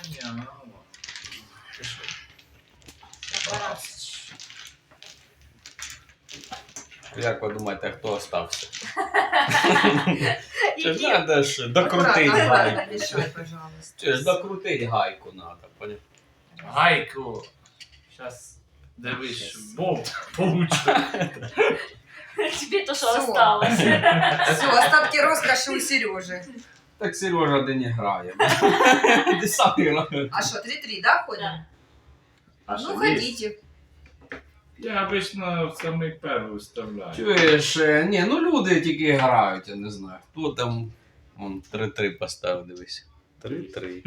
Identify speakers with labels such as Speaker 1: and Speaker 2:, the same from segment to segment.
Speaker 1: понятно. Пішли.
Speaker 2: Як ви думаєте, хто остався? Чи
Speaker 3: Які?
Speaker 2: ж треба ж докрутити
Speaker 3: Аккуратно,
Speaker 2: гайку?
Speaker 3: мешай, пожалуйста.
Speaker 2: Чи ж докрутити гайку треба, поняв?
Speaker 1: Гайку. Сейчас дивись, болт получше.
Speaker 4: Тебе то, что
Speaker 3: Всё.
Speaker 4: осталось.
Speaker 3: Все, остатки роскоши у Сережи.
Speaker 2: Так Сережа де не грає. Ти сам грає.
Speaker 3: А что, 3-3, да, ходим?
Speaker 4: Да.
Speaker 1: А
Speaker 3: Ну,
Speaker 1: що,
Speaker 3: ходите.
Speaker 1: Я обично в самий перший вставляю.
Speaker 2: Чуєш, ні, ну люди тільки грають, я не знаю. Хто там, вон 3-3 поставив, дивись. 3-3.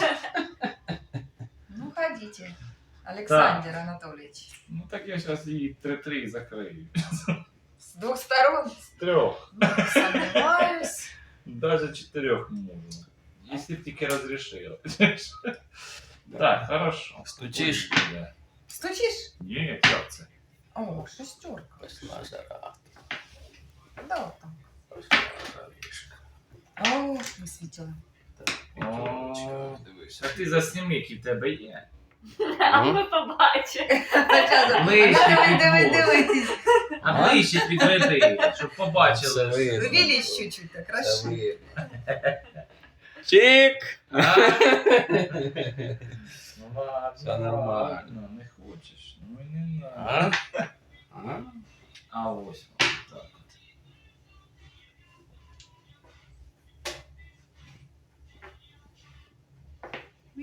Speaker 3: Ну, ходите. Александр Анатольевич.
Speaker 1: Ну так я зараз її 3-3 закрию.
Speaker 3: С двух сторон.
Speaker 1: З трьох.
Speaker 3: Ну, сомневаюсь.
Speaker 1: Даже 4 можно. Если б тільки розрішили. Так, хорошо.
Speaker 2: Стучиш?
Speaker 1: Да.
Speaker 3: Стучишь?
Speaker 1: Ні, як це?
Speaker 3: О, шестерка.
Speaker 2: Пошла жара.
Speaker 3: Да, вот там.
Speaker 2: Пошла жаришка.
Speaker 3: О, высветила.
Speaker 1: О,
Speaker 2: Дивись.
Speaker 1: А ти засніми, які в тебе є.
Speaker 4: А ми побачимо.
Speaker 1: Ближче
Speaker 3: Давай,
Speaker 1: підводь.
Speaker 3: давай.
Speaker 1: А ближче підведи, щоб
Speaker 2: Це
Speaker 1: побачили.
Speaker 2: видно.
Speaker 3: Увеличь чуть-чуть, так,
Speaker 2: Це
Speaker 3: хорошо.
Speaker 2: видно. Чик!
Speaker 1: А? Ну ладно,
Speaker 2: Все нормально.
Speaker 1: ладно, не хочеш. Ну і не
Speaker 2: А?
Speaker 1: надо.